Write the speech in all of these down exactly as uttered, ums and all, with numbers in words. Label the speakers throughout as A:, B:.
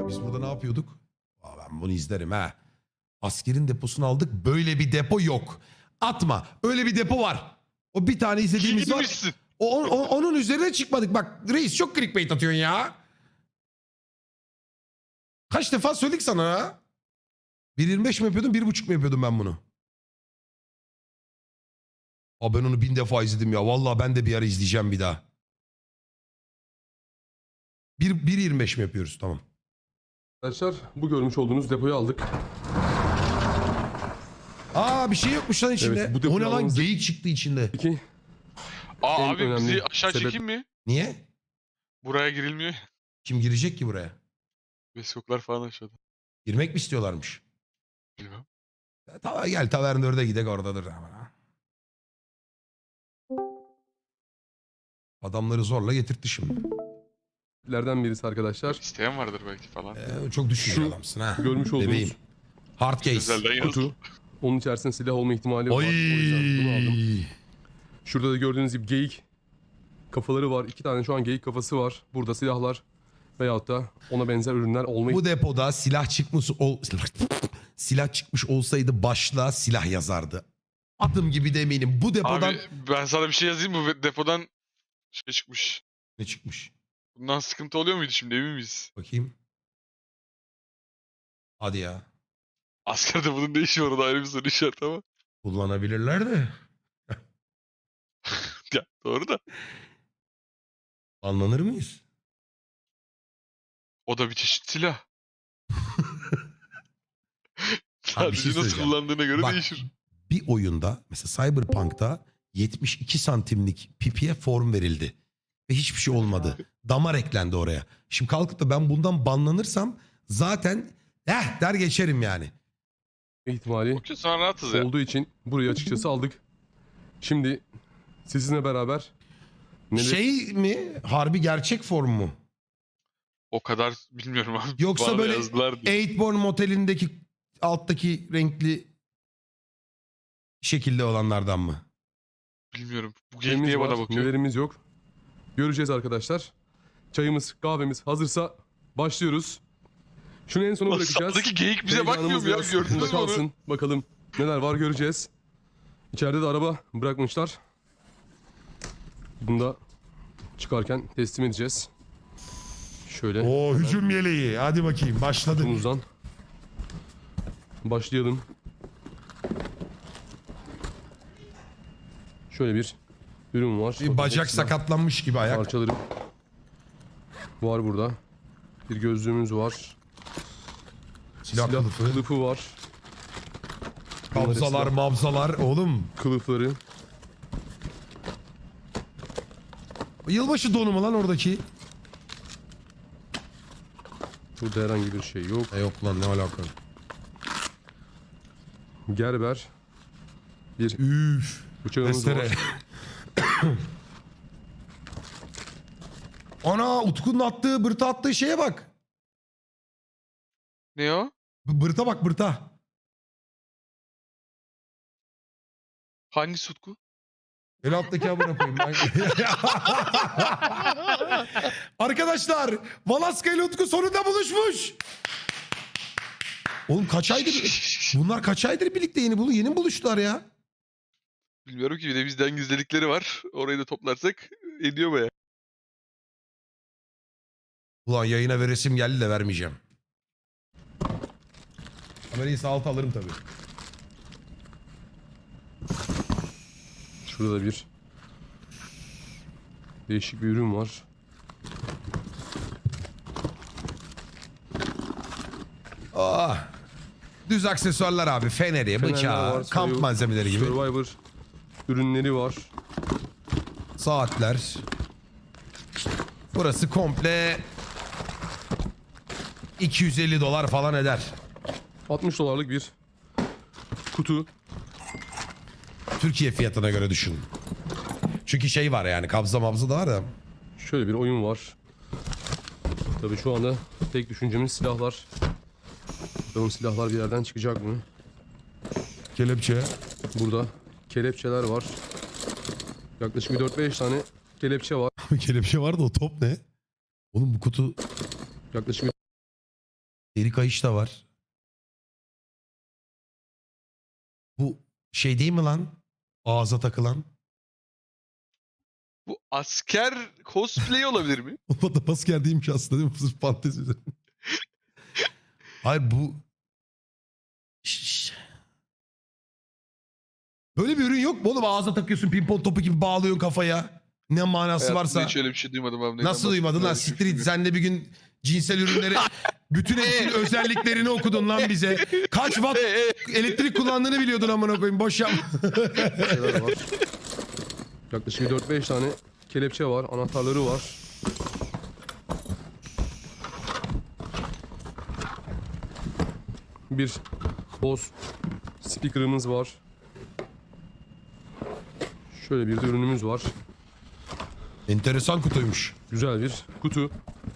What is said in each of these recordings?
A: Biz burada ne yapıyorduk? Aa, ben bunu izlerim ha. Askerin deposunu aldık. Böyle bir depo yok. Atma. Öyle bir depo var. O bir tane izlediğimiz var.
B: Girmişsin.
A: O, o- onun üzerine çıkmadık. Bak reis çok clickbait atıyorsun ya. Kaç defa söyledik sana ha? bir yirmi beş mi yapıyordum, bir buçuk mu yapıyordum ben bunu? Aa, ben onu bin defa izledim ya. Vallahi ben de bir ara izleyeceğim bir daha. bir, bir yirmi beş mi yapıyoruz? Tamam.
C: Arkadaşlar bu görmüş olduğunuz depoyu aldık.
A: Aa bir şey yokmuş lan içinde.
C: Evet, bu
A: O
C: depoyu
A: ne lan,
C: almamızı-
A: geyik çıktı içinde.
C: Peki
B: Aa
C: En
B: abi
C: önemli
B: bizi aşağı
C: sebep-
B: çekeyim mi?
A: Niye?
B: Buraya girilmiyor.
A: Kim girecek ki buraya?
B: Beskoklar falan aşağıda.
A: Girmek mi istiyorlarmış?
B: Bilmem.
A: Ya, ta- gel Tavern dörde gidek oradadır. Adamları zorla getirtti şimdi.
C: lerden birisi arkadaşlar.
B: İsteyen vardır belki falan.
A: Ee, çok düşünce
C: Şu
A: adamsın ha.
C: görmüş olduğunuz
A: Bebeğim. Hard case.
B: Özelden yazdım.
C: Kutu. Onun içerisinde silah olma ihtimali var.
A: Oy.
C: O yüzden bunu aldım. Şurada da gördüğünüz gibi geyik kafaları var. İki tane şu an geyik kafası var. Burada silahlar veyahut da ona benzer ürünler olma
A: Bu depoda silah çıkmış ol silah çıkmış olsaydı başlığa silah yazardı. Adım gibi de eminim. Bu depodan
B: Abi ben sana bir şey yazayım mı? Depodan şey çıkmış.
A: ne çıkmış?
B: Bundan sıkıntı oluyor muydu şimdi, emin miyiz?
A: Bakayım. Hadi ya.
B: Askerde bunun ne işi var, o da ayrı bir soru işareti ama.
A: Kullanabilirler de.
B: Ya doğru da.
A: Anlanır mıyız?
B: O da bir çeşit silah.
A: Abi bir şey
B: Sadece nasıl
A: söyleyeceğim.
B: kullandığına göre
A: Bak,
B: değişir.
A: bir oyunda mesela Cyberpunk'ta yetmiş iki santimlik pipiye form verildi. Ve hiçbir şey olmadı. Damar eklendi oraya. Şimdi kalkıp da ben bundan banlanırsam zaten eh der geçerim yani.
C: ihtimali
B: Okey, sonra rahatız ya.
C: olduğu için burayı açıkçası aldık. Şimdi sizinle beraber neler-
A: Şey mi? Harbi gerçek form mu?
B: O kadar bilmiyorum abi.
A: Yoksa
B: Bana
A: böyle
B: yazdılar diye.
A: Eightborn motelindeki alttaki renkli şekilde olanlardan mı?
B: Bilmiyorum. Bu
C: nelerimiz
B: geyik niye
C: var,
B: bana bakıyor?
C: nelerimiz yok. Göreceğiz arkadaşlar. Çayımız, kahvemiz hazırsa başlıyoruz. Şunu en sona
B: Lan
C: bırakacağız.
B: sağdaki geyik bize bakmıyor
C: Heyecanımız
B: mu ya?
C: biraz
B: Gördünüz
C: bunda
B: mü onu?
C: kalsın. Bakalım neler var göreceğiz. İçeride de araba bırakmışlar. Bunu da çıkarken teslim edeceğiz. Şöyle
A: O hücum yeleği. Hadi bakayım başladık.
C: kutumuzdan başlayalım. Şöyle bir ürün var.
A: Bir bacak
C: Silah
A: sakatlanmış gibi ayak.
C: parçaları var burada. Bir gözlüğümüz var.
A: Silah,
C: Silah
A: kılıfı.
C: kılıfı var.
A: Kabzalar,
C: silah
A: mabzalar. Oğlum
C: kılıfları.
A: yılbaşı donu mu lan oradaki?
C: Burada herhangi bir şey yok.
A: E yok lan, ne alaka?
C: Gerber. Bir
A: Üf.
C: bıçağımız
A: Testere.
C: var.
A: Ana, Utku'nun attığı, bırta attığı şeye bak.
B: Ne o?
A: B- Bırta bak, bırta.
B: Hangi Sutku?
A: El alttaki amına koyayım ben. Arkadaşlar, Valaska ile Utku sonunda buluşmuş. Oğlum kaç aydır bunlar kaç aydır birlikte yeni bulu yeni mi buluştular ya?
B: Bilmiyorum ki, bir de bizden gizledikleri var. Orayı da toplarsak ediyor baya.
A: Ulan yayına veresim geldi de vermeyeceğim. Kamerayı sağ alta alırım tabii.
C: Şurada da bir değişik bir ürün var.
A: Ah. Düz aksesuarlar abi. Feneri,
C: Fenerler
A: bıçağı,
C: var,
A: kamp
C: Survivor-
A: malzemeleri gibi.
C: Survivor ürünleri var.
A: Saatler. Burası komple iki yüz elli dolar falan eder.
C: altmış dolarlık bir kutu.
A: Türkiye fiyatına göre düşün. Çünkü şey var yani, kabza mabza da var da.
C: Şöyle bir oyun var. Tabii şu anda tek düşüncemiz silahlar. Bakalım silahlar bir yerden çıkacak mı?
A: Kelepçe.
C: Burada kelepçeler var. Yaklaşık bir dört beş tane kelepçe var.
A: Kelepçe var da o top ne? Oğlum bu kutu
C: Yaklaşık
A: Deri kayış da var. Bu şey değil mi lan? Ağza takılan.
B: Bu asker cosplay olabilir mi?
A: O da asker değilmiş aslında değil mi? Sırf fantezi üzerine. Hayır bu... Şşş. Böyle bir ürün yok mu oğlum? Ağza takıyorsun pimpon topu gibi bağlıyorsun kafaya. Ne manası
B: Hayatımda
A: varsa.
B: hiç öyle bir şey duymadım abi. Neyden
A: Nasıl duymadın lan?
B: bahsettiğini
A: Siktir git. Sen de bir gün cinsel ürünleri bütün hepsinin özelliklerini okudun lan bize. Kaç watt elektrik kullandığını biliyordun amına koyayım. Boş yapma.
C: Şeyler var. Yaklaşık dört beş tane kelepçe var. Anahtarları var. Bir Bose speaker'ımız var. Şöyle bir de ürünümüz var.
A: Enteresan kutuymuş.
C: Güzel bir kutu.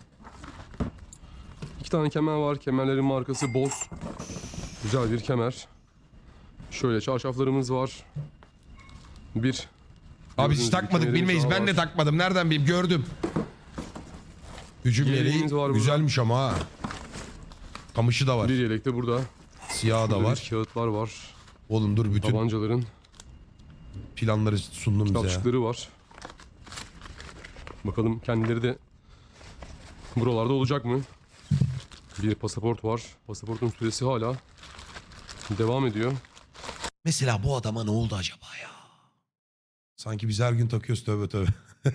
C: İki tane kemer var. Kemerlerin markası Bose. Güzel bir kemer. Şöyle çarşaflarımız var. Bir.
A: Abi hiç
C: gördüğünüz
A: takmadık
C: gibi
A: bilmeyiz.
C: kemerimiz
A: Ben de
C: daha var.
A: takmadım. Nereden bileyim gördüm. Hücum
C: Yeleğimiz
A: yeleği
C: var burada.
A: güzelmiş ama ha. Kamışı da var.
C: Bir yelek de burada.
A: Siyahı da
C: Burada
A: var.
C: bir kağıtlar var.
A: Oğlum dur bütün
C: Tabancaların
A: planları sundum bize ya.
C: kitapçıkları var. Bakalım kendileri de buralarda olacak mı? Bir pasaport var. Pasaportun süresi hala devam ediyor.
A: Mesela bu adama ne oldu acaba ya? Sanki biz her gün takıyoruz tövbe tövbe.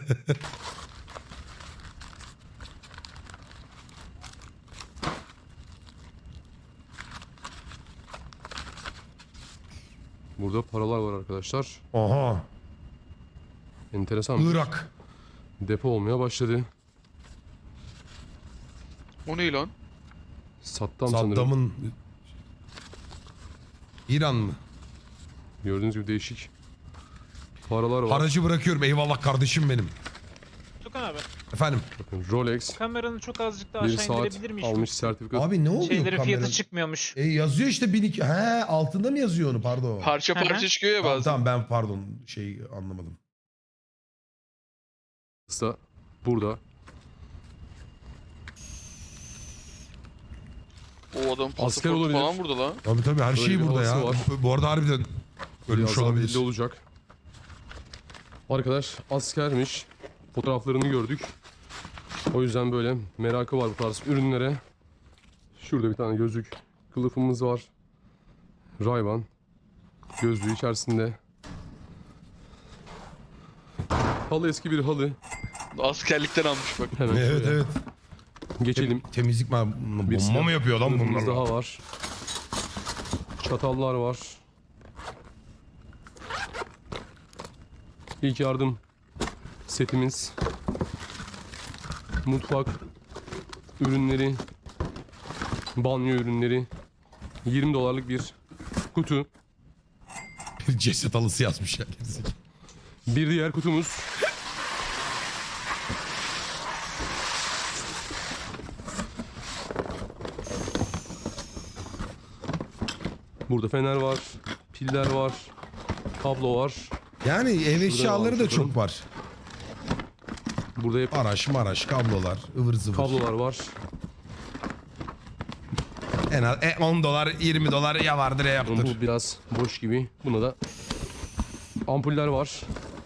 C: Burada paralar var arkadaşlar.
A: Aha.
C: Enteresan. bir
A: Irak.
C: Depo olmaya başladı.
B: O ne lan?
C: Saddam sanırım.
A: Saddam'ın İran mı?
C: Gördüğünüz gibi değişik paralar var.
A: Haracı bırakıyorum. Eyvallah kardeşim benim.
D: Tukan abi,
A: Efendim.
C: Bakın Rolex
D: kameranı çok azıcık daha
C: bir
D: aşağı
C: saat
D: indirebilir miyiz?
C: almış sertifika.
A: Abi ne oluyor
D: Şeylerin
A: kameranın?
D: fiyatı çıkmıyormuş.
A: E yazıyor işte bin iki. He altında mı yazıyor onu pardon.
B: Parça
D: Hı hı.
B: parça çıkıyor ya
A: Tamam,
B: bazen.
A: tamam ben pardon şey anlamadım.
C: da burada.
B: O adam
C: Asker
B: pasaportu
C: olabilir.
B: falan burada lan.
A: Tabii tabii her
C: Böyle
A: şey
C: bir
A: burada ya.
C: havası var.
A: Bu arada harbiden ölmüş
C: Birazdan
A: olabilir.
C: belli olacak. Arkadaş askermiş. Fotoğraflarını gördük. O yüzden böyle merakı var bu tarz ürünlere. Şurada bir tane gözlük kılıfımız var. Ray-Ban gözlüğü içerisinde. Halı eski bir halı.
B: Askerlikten almış bak.
C: Hemen
A: Evet
C: şöyle
A: evet.
C: geçelim.
A: Temizlik mi?
C: Bir
A: Bomba mı yapıyor lan
C: kılıfımız
A: bunlar?
C: daha var. Çatallar var. İlk yardım setimiz. Mutfak ürünleri. Banyo ürünleri. yirmi dolarlık bir kutu.
A: Bir ceset halısı yazmış ya.
C: Bir diğer kutumuz. Burada fener var, piller var, kablo var.
A: Yani ev eşyaları da
C: almış
A: çok
C: bakalım.
A: var.
C: Burada hep
A: Araç maraş kablolar ıvır zıvır.
C: kablolar var.
A: En az e, on dolar yirmi dolar ya vardır ya
C: Ama
A: yaptır.
C: bu biraz boş gibi. Buna da ampuller var.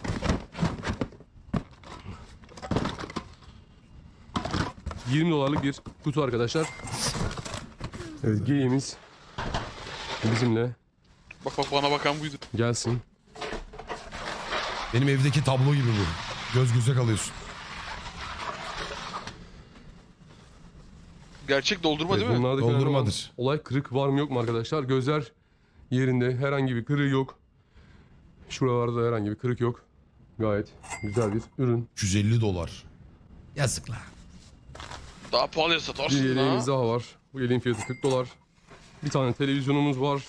C: yirmi dolarlık bir kutu arkadaşlar. Evet, geyiğimiz bizimle
B: Bak bak bana bakan buydu.
C: gelsin.
A: Benim evdeki tablo gibi bu. Göz göze kalıyorsun.
B: Gerçek doldurma
C: Evet,
B: değil mi?
C: bunlardaki önemli olan
A: Doldurmadır.
C: olay kırık var mı yok mu arkadaşlar? Gözler yerinde, herhangi bir kırığı yok. Şuralarda herhangi bir kırık yok. Gayet güzel bir ürün.
A: üç yüz elli dolar. Yazık la.
B: Daha pahalıya
C: Bir
B: satarsın
C: yeleğimiz
B: ha.
C: daha var. Bu yeleğin fiyatı kırk dolar. Bir tane televizyonumuz var.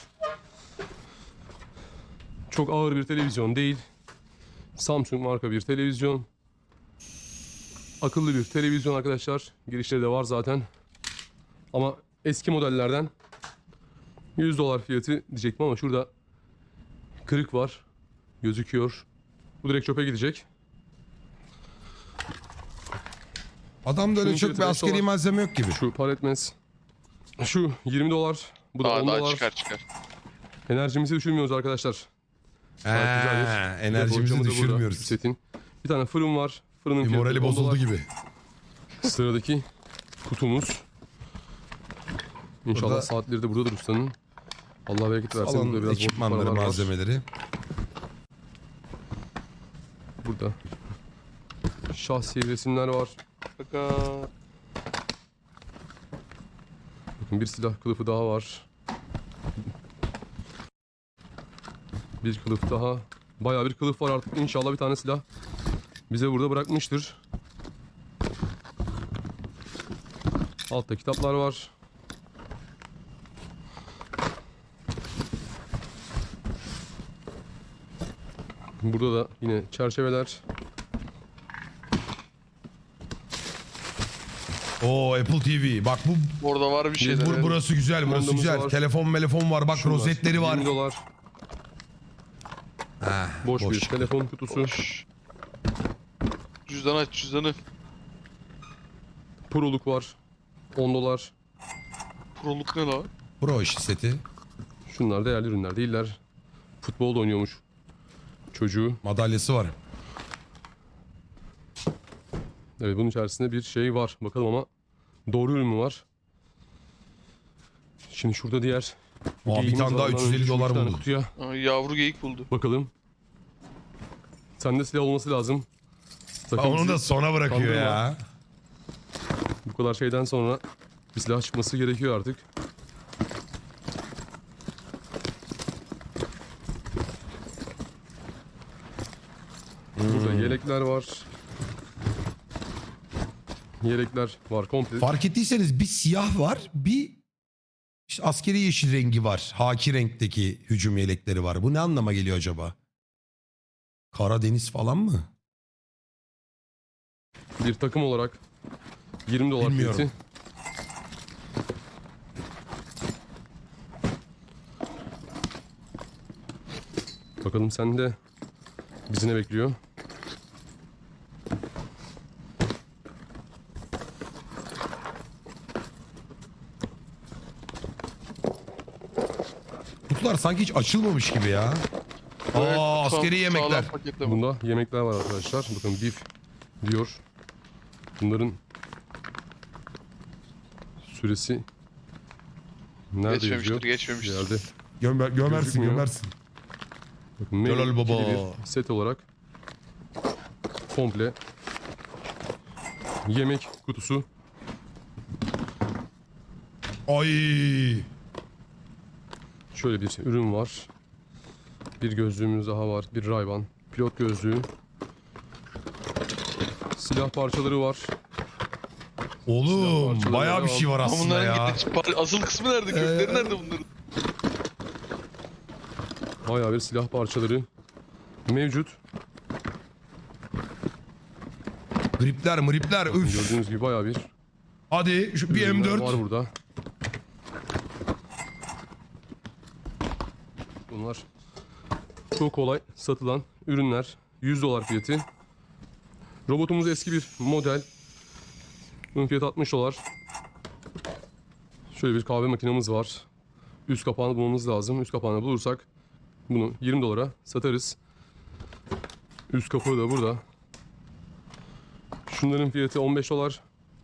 C: Çok ağır bir televizyon değil. Samsung marka bir televizyon. Akıllı bir televizyon arkadaşlar. Girişleri de var zaten. Ama eski modellerden yüz dolar fiyatı diyecektim ama şurada kırık var. Gözüküyor. Bu direkt çöpe gidecek.
A: Adamda öyle
C: Şunun
A: çok bir
C: fiyatı beş
A: askeri
C: dolar.
A: malzeme yok gibi.
C: Şu par etmez. Şu yirmi dolar. Bu da
B: Daha,
C: on
B: daha
C: dolar.
B: çıkar çıkar.
C: Enerjimizi düşürmüyoruz arkadaşlar. Gayet güzeldir.
A: Ha,
C: Bir de
A: enerjimizi
C: borcamı da burada,
A: düşürmüyoruz.
C: şu setin. Bir tane fırın var. Fırının
A: Bir
C: fiyatı
A: morali
C: on
A: bozuldu
C: dolar.
A: gibi.
C: Sıradaki kutumuz. İnşallah
A: Burada-
C: saatleri de buradadır ustanın. Allah bereket versin. Burada
A: Salon
C: biraz boşluk
A: ekipmanları,
C: paralar var.
A: malzemeleri.
C: Burada şahsi resimler var.
B: Fakat
C: Bakın bir silah kılıfı daha var. Bir kılıf daha. Bayağı bir kılıf var artık. İnşallah bir tane silah bize burada bırakmıştır. Altta kitaplar var. Burada da yine çerçeveler.
A: Oo, Apple T V. Bak bu
B: orada var bir şeyler.
A: bu-
B: evet.
A: burası güzel, burası
C: Kumandamız
A: güzel.
C: var.
A: Telefon, telefon var. Bak
C: Şu
A: rozetleri var.
C: yirmi dolar.
A: Ha,
C: Boş, bir
A: çıktı.
C: telefon kutusu.
B: Boş. Cüzdan aç cüzdanı.
C: Proluk var. on dolar.
B: Proluk ne la?
A: Pro işi seti.
C: Şunlar değerli ürünler değiller. Futbolda oynuyormuş çocuğu.
A: Madalyası var.
C: Evet, bunun içerisinde bir şey var. Bakalım ama doğru ürün mü var? Şimdi şurada diğer
A: Aa, bir
C: geyiğimiz
A: tane
C: var.
A: daha
C: Ondan
A: üç yüz elli
C: önce şu
A: dolar
C: iki tane
A: buldu.
C: Kutuya
B: Aa, yavru geyik buldu.
C: bakalım. Sende silah olması lazım.
A: Ha,
C: Sakın
A: onu
C: bizi
A: da sona bırakıyor
C: kandırma.
A: ya.
C: bu kadar şeyden sonra bir silah çıkması gerekiyor artık. Burada
A: Hmm.
C: yelekler var. Yelekler var komple.
A: Fark ettiyseniz bir siyah var, bir işte askeri yeşil rengi var. Haki renkteki hücum yelekleri var. Bu ne anlama geliyor acaba? Karadeniz falan mı?
C: Bir takım olarak yirmi dolar
A: Bilmiyorum.
C: fiyatı. Bakalım sende bizi ne bekliyor?
A: Kutular sanki hiç açılmamış gibi ya.
B: Evet,
A: Aa,
B: tam
A: askeri yemekler.
B: sağlam paketleme.
C: Bunda yemekler var arkadaşlar. Bakın beef diyor. Bunların süresi nerede
B: Geçmemiştir
C: yazıyor? Bir
B: geçmemiştir.
C: yerde.
A: Gömer, gömersin
C: Gözükmüyor.
A: gömersin.
C: Bakın menü
A: Helal baba.
C: ikili bir set olarak komple yemek kutusu.
A: Ay.
C: Şöyle bir ürün var. Bir gözlüğümüz daha var. Bir Ray-Ban pilot gözlüğü. Silah parçaları var.
A: Oğlum
C: parçaları
A: bayağı bir
C: devam.
A: şey var
B: Ama
A: aslında
B: bunların
A: ya.
B: gidiş- par- asıl kısmı nerede? Kökleri
A: Ee,
B: nerede bunların?
C: Bayağı bir silah parçaları mevcut.
A: Gripler mripler üf.
C: Gördüğünüz gibi bayağı bir
A: Hadi şu bir
C: ürünler
A: M dört.
C: var burada. Bunlar çok kolay satılan ürünler. yüz dolar fiyatı. Robotumuz eski bir model. Bunun fiyatı altmış dolar. Şöyle bir kahve makinemiz var. Üst kapağını bulmamız lazım. Üst kapağını bulursak bunu yirmi dolara satarız. Üst kapağı da burada. Şunların fiyatı on beş dolar.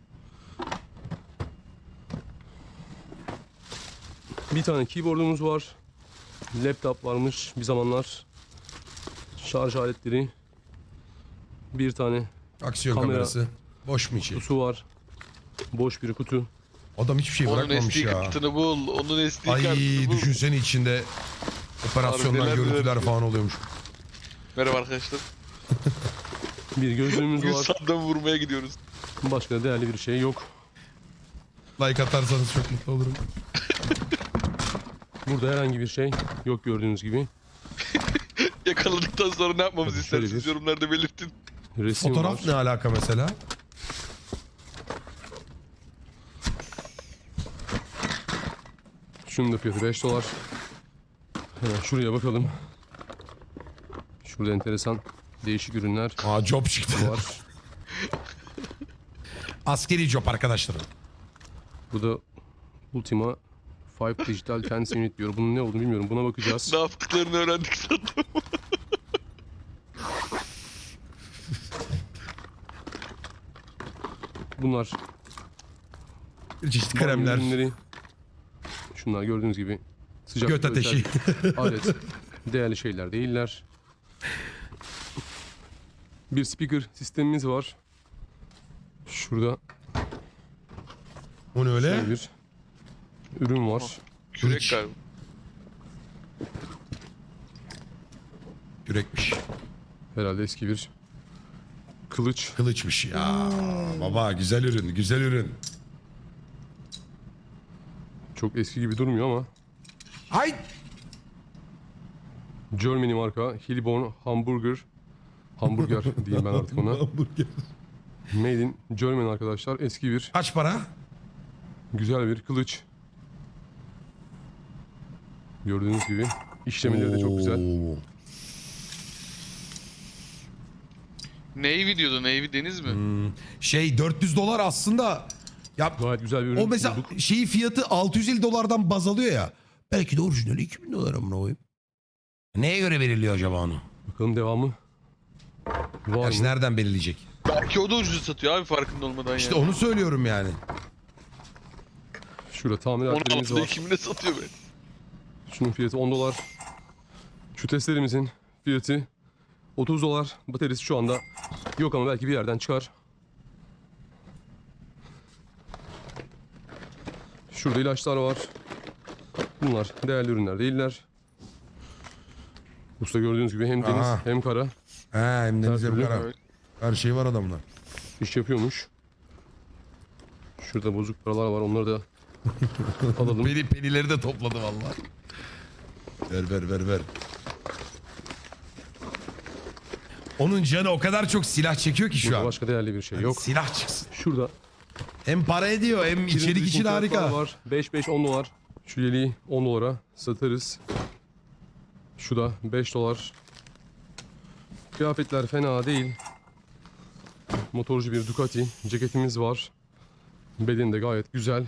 C: Bir tane keyboardumuz var. Laptop varmış bir zamanlar. Şarj aletleri. Bir tane
A: Aksiyon
C: Kamera.
A: kamerası. Boş mu içi?
C: kutusu var. Boş bir kutu.
A: Adam hiçbir şey
B: Onun
A: bırakmamış
B: S D
A: ya.
B: kartını bul. Onun S D
A: Ay
B: kartını bul.
A: düşünsene içinde operasyondan
B: Harbi neler
A: görüntüler
B: neler.
A: falan oluyormuş.
B: Merhaba arkadaşlar.
C: Bir gözlüğümüz
B: Bugün
C: var.
B: sandal vurmaya gidiyoruz.
C: Başka değerli bir şey yok.
A: Like atarsanız çok mutlu olurum.
C: Burada herhangi bir şey yok gördüğünüz gibi.
B: Yakaladıktan sonra ne yapmamızı
C: Tabii şöyle
B: istersiniz
C: bir-
B: yorumlarda belirtin.
C: Resim
A: Fotoğraf
C: var.
A: ne alaka mesela?
C: Şunun da fiyatı beş dolar. Hemen şuraya bakalım. Şurada enteresan değişik ürünler
A: Aa job çıktı.
C: var.
A: Askeri job arkadaşlar.
C: Bu da Ultima beş Digital Tense Unit diyor. Bunun ne olduğunu bilmiyorum. Buna bakacağız.
B: Ne yaptıklarını öğrendik sandım.
C: Bunlar
A: Çeşitli
C: banyo
A: kremler.
C: ürünleri. Şunlar gördüğünüz gibi sıcak
A: Göt ateşi.
C: alet. Değerli şeyler değiller. Bir speaker sistemimiz var. Şurada
A: O ne öyle?
C: şöyle bir ürün var.
B: Kürek
A: Kılıç.
B: galiba.
A: Yürekmiş.
C: Herhalde eski bir kılıç.
A: Kılıçmış ya. Baba güzel ürün, güzel ürün.
C: Çok eski gibi durmuyor ama
A: Ay!
C: Germany marka Hillborn Hamburger Hamburger diyeyim ben artık ona.
A: Hamburger.
C: Made in Germany arkadaşlar. Eski bir
A: Kaç para?
C: güzel bir kılıç. Gördüğünüz gibi işlemeleri de çok güzel.
A: Oo.
B: Navy diyordu. Navy deniz mi?
A: Hmm, Şey dört yüz dolar aslında. Ya
C: Gayet güzel bir ürün
A: o mesela
C: bulduk.
A: şeyi fiyatı altı yüz elli dolardan baz alıyor ya. Belki de orijinali iki bin dolar amına koyayım. Neye göre belirliyor acaba onu?
C: Bakalım devamı var
A: Gerçi
C: mı?
A: nereden belirleyecek?
B: Belki o da ucuz satıyor abi farkında olmadan
A: İşte
B: yani.
A: onu söylüyorum yani.
C: Şurada
B: Onu
C: tamiratlarımız
B: altıda
C: var.
B: kimine satıyor be?
C: Şunun fiyatı on dolar. Şu testlerimizin fiyatı otuz dolar. Bataryası şu anda yok ama belki bir yerden çıkar. Şurada ilaçlar var. Bunlar değerli ürünler değiller. Usta gördüğünüz gibi hem deniz
A: Aha.
C: hem kara
A: He hem deniz hem
C: türlü.
A: kara.
B: Evet.
A: Her şey var adamda.
C: iş yapıyormuş. Şurada bozuk paralar var, onları da alalım.
A: Peni, penileri de topladı vallahi. Ver ver ver ver. Onun canı o kadar çok silah çekiyor ki şu
C: Burada
A: an.
C: başka değerli bir şey
A: Yani
C: yok.
A: Silah çıksın.
C: Şurada
A: Hem para ediyor hem içerik için harika.
C: var. beş beş on dolar. Şu yeleği on dolara satarız. Şu da beş dolar. Kıyafetler fena değil. Motorcu bir Ducati ceketimiz var. Bedeni de gayet güzel.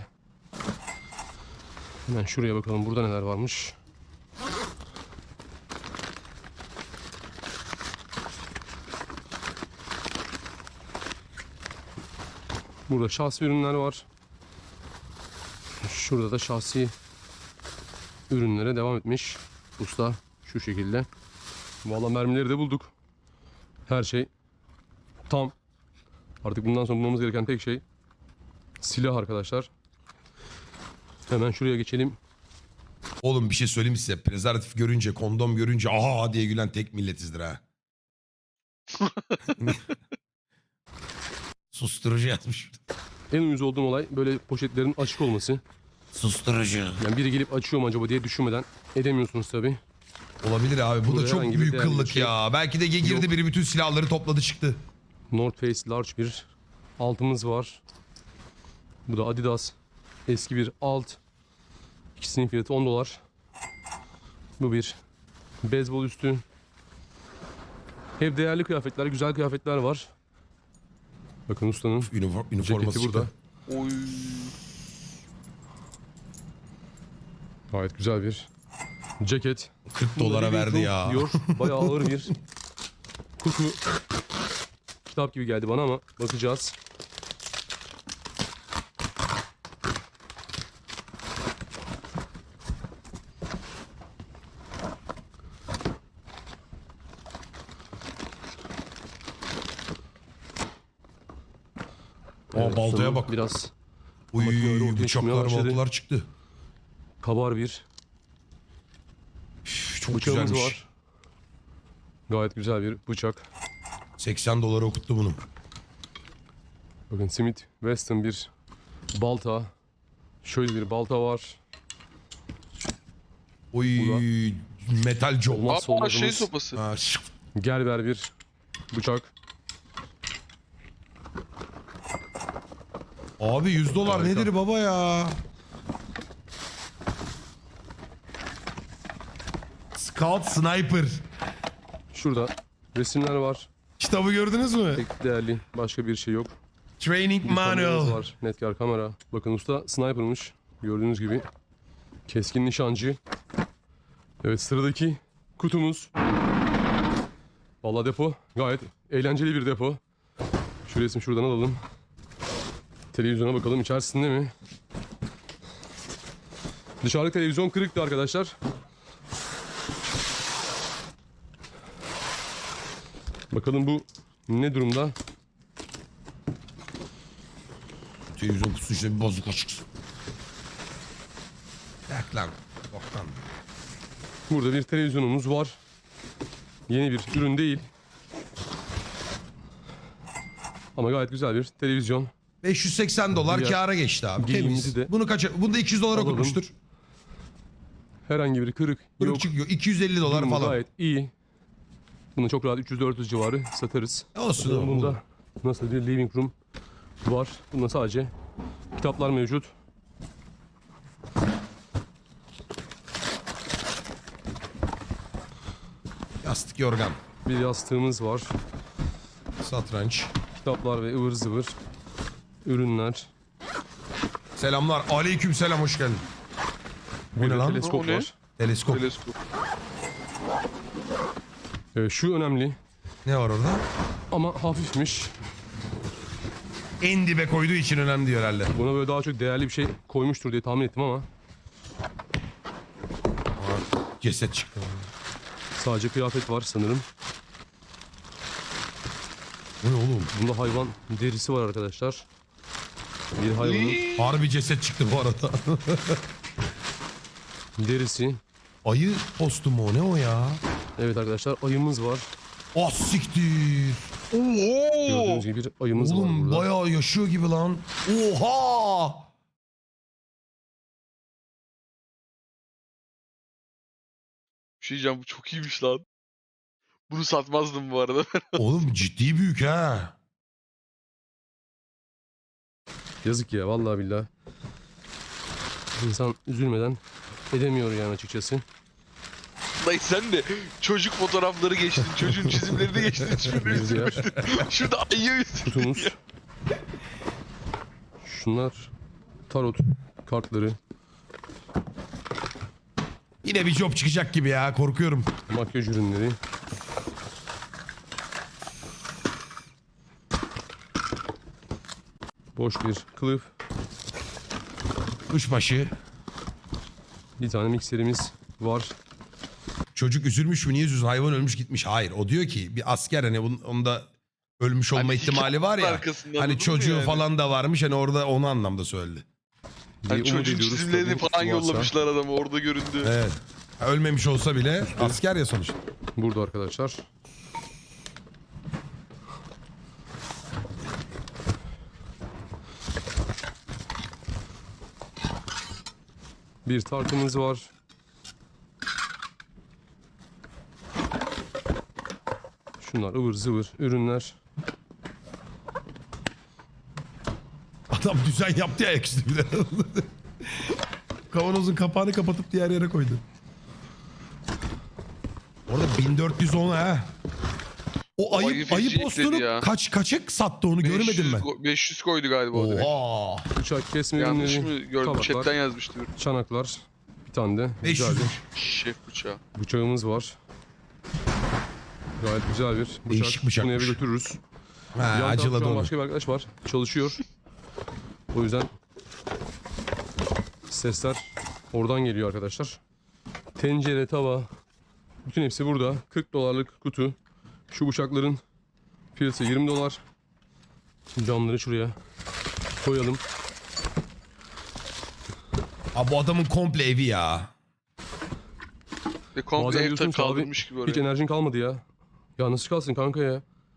C: Hemen şuraya bakalım, burada neler varmış. Burada şahsi ürünler var. Şurada da şahsi ürünlere devam etmiş usta şu şekilde. Vallahi mermileri de bulduk. Her şey tam. Artık bundan sonra bulmamız gereken tek şey silah arkadaşlar. Hemen şuraya geçelim.
A: Oğlum bir şey söyleyeyim size. Prezervatif görünce, kondom görünce aha diye gülen tek milletizdir ha. Susturucu yazmış.
C: En uyuz olduğum olay böyle poşetlerin açık olması.
A: Susturucu.
C: Yani biri gelip açıyor mu acaba diye düşünmeden edemiyorsunuz tabi.
A: Olabilir abi. Bu
C: Burada
A: da çok
C: herhangi bir
A: büyük
C: değerli bir
A: kıllık
C: şey
A: ya. Belki de girdi
C: yok.
A: biri bütün silahları topladı çıktı.
C: North Face large bir altımız var. Bu da Adidas eski bir alt. İkisinin fiyatı on dolar. Bu bir beyzbol üstü. Hep değerli kıyafetler, güzel kıyafetler var. Bakın ustanın
A: Üniform, üniforması
C: ceketi burada.
A: çıktı.
B: Oy.
C: Gayet güzel bir ceket.
A: kırk dolara
C: Burada
A: verdi
C: Living
A: ya.
C: Proof diyor. Bayağı ağır bir kutu. Kitap gibi geldi bana ama bakacağız.
A: Aa, baltaya
C: ustanın
A: bak.
C: Biraz
A: Uy
C: makineleri ortaya çıkmaya
A: bıçaklar
C: başladı.
A: baltalar çıktı.
C: kabar bir
A: Üf, çok
C: bıçağımız
A: güzelmiş.
C: var. Gayet güzel bir bıçak.
A: seksen dolara okuttu bunu.
C: Bakın Smith Wesson bir balta. Şöyle bir balta var.
A: Oy metal job.
C: Olmazsa
B: Aa şey
C: olmazımız.
B: sopası.
A: Ha, şık.
C: Gerber bir bıçak.
A: Abi yüz dolar
C: Harika.
A: nedir baba ya? Scout Sniper.
C: Şurada resimler var.
A: Kitabı gördünüz mü?
C: Pek değerli başka bir şey yok.
A: Training
C: Bir kameramız
A: Manual.
C: var. Netkar kamera. Bakın usta sniper'mış. Gördüğünüz gibi keskin nişancı. Evet, sıradaki kutumuz. Vallahi depo gayet eğlenceli bir depo. Şu resmi şuradan alalım. Televizyona bakalım içerisinde mi? Dışarıdaki televizyon kırıktı arkadaşlar. Bakalım bu ne durumda?
A: Televizyon kutusu işte bir bozuk açıksın. Yak lan. Boktan.
C: Burada bir televizyonumuz var. Yeni bir ürün değil. Ama gayet güzel bir televizyon.
A: beş yüz seksen dolar
C: Diğer
A: kâra geçti abi.
C: giyimimizi
A: Temiz.
C: de
A: Bunu kaça? Bunu da iki yüz dolar
C: alalım.
A: okutmuştur.
C: Herhangi bir kırık
A: Kırık
C: yok.
A: çıkıyor. iki yüz elli dolar
C: Durumu
A: falan.
C: gayet iyi. Bunu çok rahat üç yüz dört yüz civarı satarız.
A: Olsun
C: Bakalım
A: oğlum.
C: Bunda nasıl bir living room var. Bunda sadece kitaplar mevcut.
A: Yastık yorgan.
C: Bir yastığımız var.
A: Satranç.
C: Kitaplar ve ıvır zıvır ürünler.
A: Selamlar. Aleyküm selam, hoş geldin. Bu ne
C: Bir de
A: lan?
C: teleskop
B: O ne?
C: var.
A: Teleskop.
B: Teleskop.
C: Ee, şu önemli
A: Ne var orada?
C: ama hafifmiş.
A: En dibe koyduğu için önemli diyor herhalde.
C: Buna böyle daha çok değerli bir şey koymuştur diye tahmin ettim ama
A: Ceset çıktı.
C: sadece kıyafet var sanırım.
A: Bu ne oğlum?
C: Bunda hayvan derisi var arkadaşlar. Bir hayvanın
A: Harbi ceset çıktı bu arada.
C: derisi.
A: Ayı postu mu o? Ne o ya?
C: Evet arkadaşlar, ayımız var.
A: Ah siktir.
B: Oo!
C: Gördüğünüz gibi bir ayımız var
A: Oğlum
C: burada.
A: bayağı yaşıyor gibi lan. Oha!
B: Bir şey diyeceğim, bu çok iyiymiş lan. Bunu satmazdım bu arada.
A: Oğlum ciddi büyük ha.
C: Yazık ya, vallahi billahi. İnsan üzülmeden edemiyor yani açıkçası.
B: Dayı sen de çocuk fotoğrafları geçtin, çocuğun çizimlerini geçtin. Şurada
C: Bir diğer
B: Şurada ayı üstünde.
C: kutumuz. Şunlar tarot kartları,
A: Yine bir job çıkacak gibi ya, korkuyorum.
C: makyaj ürünleri. Boş bir kılıf.
A: Kuşbaşı.
C: Bir tane mikserimiz var.
A: Çocuk üzülmüş mü? Niye üzülsün? Hayvan ölmüş gitmiş. Hayır. O diyor ki bir asker, hani bunun, onda ölmüş olma
B: Hani
A: ihtimali var ya.
B: arkasında,
A: Hani
B: anladın mı
A: çocuğu
B: yani?
A: falan da varmış. Hani orada onu anlamda söyledi.
C: diye
B: Hani
C: umut
B: çocuğun
C: ediyoruz.
B: çizimlerini
C: Tabii
B: falan
C: varsa.
B: yollamışlar adamı, orada göründü.
A: Evet. Ha, ölmemiş olsa bile asker ya sonuçta.
C: Burada arkadaşlar. Bir tartımız var. Şunlar ıvır zıvır ürünler.
A: Adam düzen yaptı ya ayaküstü bir de. Kavanozun kapağını kapatıp diğer yere koydu. Orada bin dört yüz on ha. O ayı,
B: ayı
A: ayı
B: feci
A: postunu
B: ekledi ya.
A: kaç kaçık sattı onu görmedim
B: beş yüz
A: ben.
B: ko- beş yüz koydu galiba o direkt.
A: Oha.
C: Bıçak kesme
B: Yanlış
C: ürünleri.
B: mı gördüm?
C: tabaklar,
B: Chatten yazmıştı. bir.
C: çanaklar. Bir tane de
A: beş yüz.
C: güzel bir
B: Şef bıçağı.
C: bıçağımız var. Gayet güzel bir bıçak.
A: Değişik
C: Bunu eve
A: bıçakmış.
C: götürürüz.
A: Ha,
C: Yan tarafta
A: acıladı
C: şu an
A: onu.
C: başka bir arkadaş var. Çalışıyor. O yüzden sesler oradan geliyor arkadaşlar. Tencere, tava. Bütün hepsi burada. kırk dolarlık kutu. Şu bıçakların fiyatı yirmi dolar. Camları şuraya koyalım.
A: Abi bu adamın komple evi ya.
B: Ve komple
C: Bazen
B: ev
C: diyorsunuz ki abi,
B: kaldırmış gibi
C: hiç
B: oraya.
C: enerjin kalmadı ya. Ya nasıl kalsın kanka ya?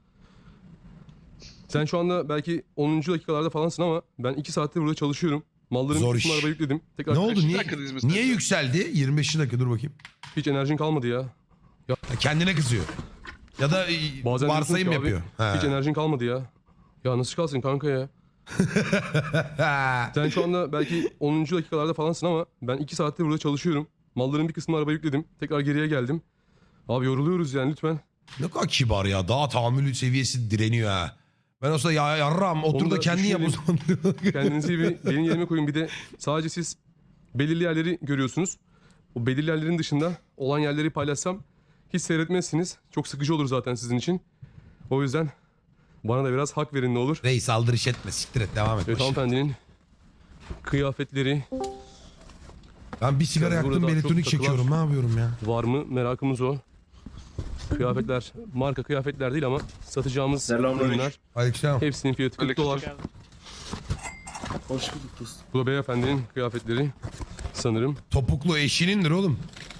C: Sen şu anda belki onuncu dakikalarda falansın ama ben iki saattir burada çalışıyorum. Malların
A: Zor
C: bir
A: iş.
C: kısmını arabaya yükledim. Tekrar
A: Ne oldu?
B: Kaç
A: Niye,
B: dakikadayız biz
A: niye
B: mesela?
A: yükseldi? yirmi beş dakika dur bakayım.
C: hiç enerjin kalmadı ya.
A: Ha, kendine kızıyor. Ya da e,
C: Bazen
A: varsayım
C: diyorsunuz ki
A: yapıyor.
C: abi,
A: Ha.
C: hiç enerjin kalmadı ya. Ya nasıl kalsın kanka ya?
A: Ha.
C: Sen şu anda belki onuncu dakikalarda falansın ama ben iki saattir burada çalışıyorum. Malların bir kısmını arabaya yükledim. Tekrar geriye geldim. Abi yoruluyoruz yani lütfen.
A: Ne kadar kibar ya. Daha tahammül seviyesi direniyor ha. Ben olsa ya yarram otur
C: Onu
A: da
C: da
A: kendin yap o zaman.
C: Kendinizi bir benim yerime koyun. Bir de sadece siz belirli yerleri görüyorsunuz. O belirli yerlerin dışında olan yerleri paylaşsam hiç seyretmezsiniz. Çok sıkıcı olur zaten sizin için. O yüzden bana da biraz hak verin ne olur.
A: Reis aldırış etme, siktir et, devam et.
C: Evet, hanımefendinin kıyafetleri
A: Ben bir sigara
C: Yani
A: yaktım,
C: burada
A: bir
C: çok
A: elektronik
C: takılar-
A: çekiyorum, ne yapıyorum ya?
C: var mı merakımız o. Kıyafetler marka kıyafetler değil ama satacağımız
E: Selamünaleyküm.
C: ürünler.
A: Aleykümselam.
C: Hepsinin fiyatı kırk
B: Aleyküm.
C: dolar.
D: Geldim.
E: Hoş bulduk dostum.
C: Bu da beyefendinin kıyafetleri sanırım.
A: Topuklu eşinindir oğlum.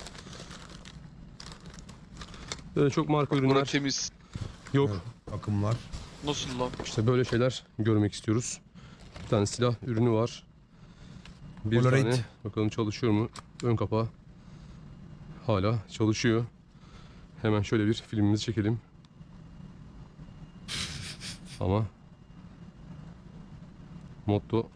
C: Böyle çok marka
B: Bura
C: ürünler
B: temiz.
C: yok.
A: Akımlar.
B: Nasıl lan?
C: İşte böyle şeyler görmek istiyoruz. Bir tane silah ürünü var. Bir
A: Polaroid.
C: tane bakalım çalışıyor mu? Ön kapağı hala çalışıyor. Hemen şöyle bir filmimizi çekelim. Ama motto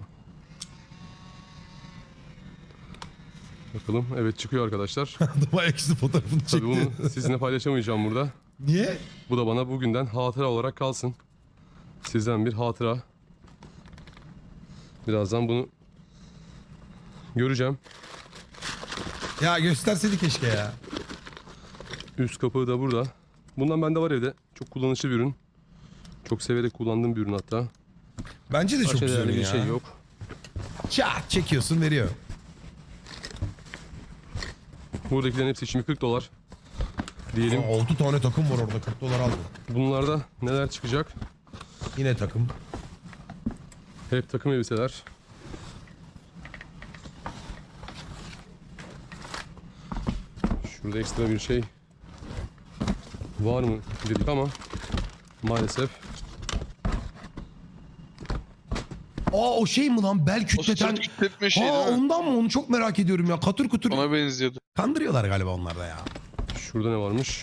C: bakalım, evet çıkıyor arkadaşlar.
A: Adam ayaküstü fotoğrafını
C: Tabii
A: çekti.
C: bunu sizinle paylaşamayacağım burada.
A: Niye?
C: Bu da bana bugünden hatıra olarak kalsın. Sizden bir hatıra. Birazdan bunu göreceğim.
A: Ya gösterseydi keşke ya.
C: Üst kapağı da burada. Bundan bende var evde. Çok kullanışlı bir ürün. Çok severek kullandığım bir ürün hatta.
A: Bence de çok
C: Başka
A: güzel
C: değerli bir
A: ya.
C: şey yok.
A: Çat çekiyorsun, veriyor.
C: Buradakilerin hepsi şimdi kırk dolar. Diyelim.
A: altı tane takım var orada, kırk dolar aldım.
C: Bunlarda neler çıkacak?
A: Yine takım.
C: Hep takım elbiseler. Şurada ekstra bir şey var mı dedik ama maalesef.
A: Aa o şey mi lan, bel
B: O
A: kütleten?
B: sırt kütletme şey
A: Aa
B: değil mi?
A: ondan mı, onu çok merak ediyorum ya, katır kutur.
B: Ona benziyordu.
A: Kandırıyorlar galiba onlar da ya.
C: Şurada ne varmış?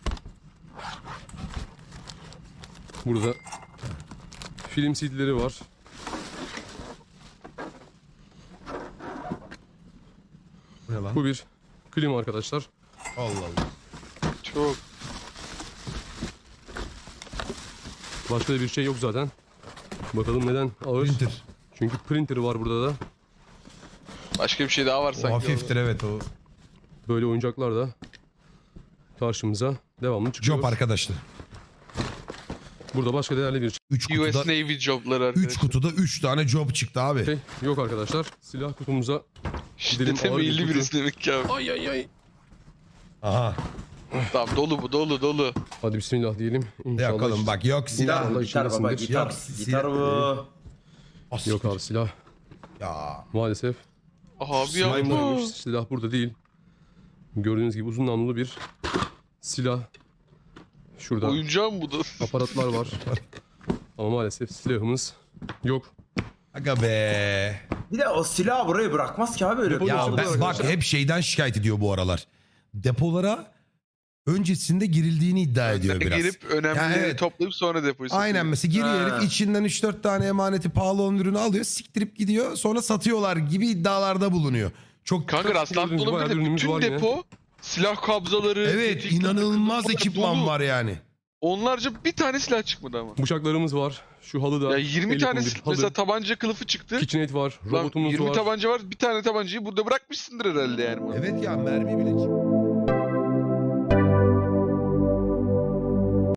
C: Burada film C D'leri var.
A: Bu ne lan?
C: Bu bir klima arkadaşlar.
A: Allah Allah.
B: Çok.
C: Başka da bir şey yok zaten. Bakalım neden ağır?
A: Printer.
C: Çünkü printer var burada da.
B: Başka bir şey daha var
A: O
B: sanki.
A: hafiftir evet o.
C: Böyle oyuncaklar da karşımıza devamlı çıkıyor.
A: Job arkadaşlar.
C: Burada başka değerli bir
A: üç
B: U S
A: kutuda
B: Navy jobları
A: üç
B: arkadaşlar.
A: kutuda üç tane job çıktı abi.
C: şey yok arkadaşlar. Silah kutumuza
B: Şiddete
C: ağır bir
B: meyilli
C: kutu.
B: birisi demek ki abi.
C: ay ay ay.
A: Aha.
B: Tamam dolu bu dolu dolu.
C: Hadi bismillah diyelim. İnşallah.
A: Yakalım bak, yok silah.
C: Allah
E: Gitar, gitar baba
C: içindesindir.
E: gitar.
A: Yok,
E: Gitar bu.
A: As-
C: Yok abi silah
A: Ya.
C: maalesef.
B: Abi
C: Slime
B: yapma.
C: varmış. Silah burada değil. Gördüğünüz gibi uzun namlulu bir silah. Şurada
B: Oyuncağım bu da.
C: aparatlar var. Ama maalesef silahımız yok.
A: Aga be.
E: Bir de o silahı buraya bırakmaz ki abi öyle.
C: Depo
A: Ya
C: Polis
A: ben-
C: oldu
A: bak
C: arkadaşlar.
A: hep şeyden şikayet ediyor bu aralar. Depolara öncesinde girildiğini iddia ediyor
B: Önden
A: biraz.
B: girip önemlileri
A: Ya evet.
B: toplayıp sonra depoyu satıyor.
A: Aynen, mesela giriyor
E: Ha.
A: herif, içinden üç dört tane emaneti pahalı olan ürünü alıyor, siktirip gidiyor, sonra satıyorlar gibi iddialarda bulunuyor. Çok
B: Kanka rastlantılı
C: Bayağı
B: olabilir de
C: ürünümüz
B: bütün
C: var yine.
B: depo silah kabzaları.
A: evet,
B: tetik,
A: inanılmaz
B: takımlar
A: ekipman
B: dolu.
A: var yani.
B: Onlarca bir tane silah çıkmadı ama.
C: Bıçaklarımız var. Şu halı da.
B: Ya yirmi
C: el
B: tane
C: yapımı bir
B: sil-
C: halı.
B: mesela tabanca kılıfı çıktı.
C: KitchenAid var.
B: Lan
C: Robotumuz
B: yirmi
C: var.
B: tabanca var. Bir tane tabancayı burada bırakmışsındır herhalde yani.
A: Evet ya, mermi bile çıktı.